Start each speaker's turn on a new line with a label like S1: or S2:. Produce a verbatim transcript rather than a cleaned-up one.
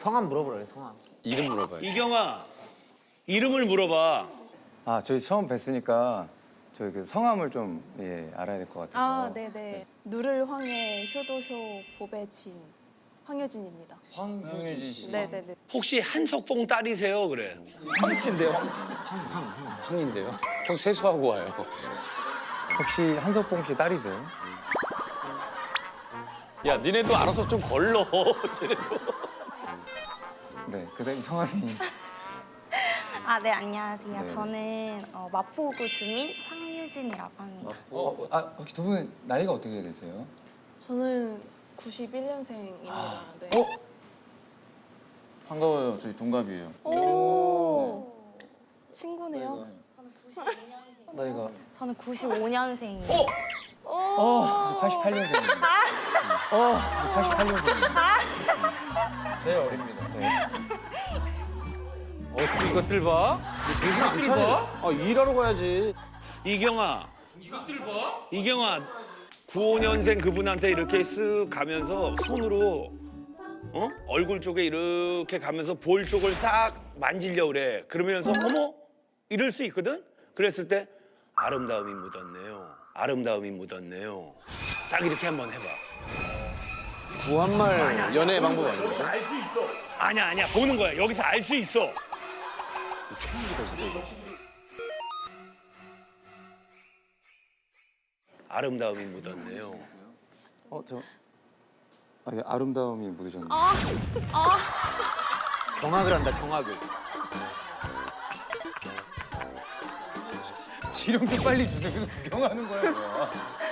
S1: 성함 물어보라 그래, 성함.
S2: 이름 물어봐요.
S3: 이경아, 이름을 물어봐.
S4: 아, 저희 처음 뵀으니까 저희 그 성함을 좀 예, 알아야 될 것 같아서.
S5: 아, 네네. 누를 황해 효도효 보배진 황효진입니다.
S4: 황효진 씨.
S5: 네네네.
S3: 혹시 한석봉 딸이세요? 그래.
S2: 황씨인데요? 황인데요? 형 세수하고 와요.
S4: 혹시 한석봉 씨 딸이세요?
S2: 야, 니네도 알아서 좀 걸러. 쟤네도.
S4: 네, 그다음 성함이
S6: 아, 네, 안녕하세요.
S4: 네.
S6: 저는 어, 마포구 주민 황유진이라고 합니다.
S4: 어, 아, 혹시 두 분 나이가 어떻게 되세요?
S5: 저는 구십일 년생입니다. 네.
S4: 어?
S7: 반가워요. 저희 동갑이에요.
S5: 오. 친구네요.
S4: 나이가
S6: 저는 구십오 년생이에요.
S4: 어, 팔십팔 년생입니다. 어, 팔십팔 년생입니다. 제일 어립니다. 네.
S1: 어떻게 이것들 봐? 정신 이것들 봐?
S7: 아, 일하러 가야지.
S3: 이경아. 이것들 봐? 이경아, 구십오 년생 그분한테 이렇게 쓱 가면서 손으로 어? 얼굴 쪽에 이렇게 가면서 볼 쪽을 싹 만지려고 그래. 그러면서 어머? 이럴 수 있거든? 그랬을 때 아름다움이 묻었네요. 아름다움이 묻었네요. 딱 이렇게 한번 해봐.
S7: 구한말 연애 방법 아닌가요?
S3: 알 수 있어. 아니야, 아니야. 보는 거야. 여기서 알 수 있어. 아름다움이 묻었네요.
S4: 어, 저 아, 예, 아름다움이 묻으셨네요.
S1: 경악을 한다, 경악을.
S4: 지령 좀 빨리 주세요. 그래서 구경하는 거야, 뭐야.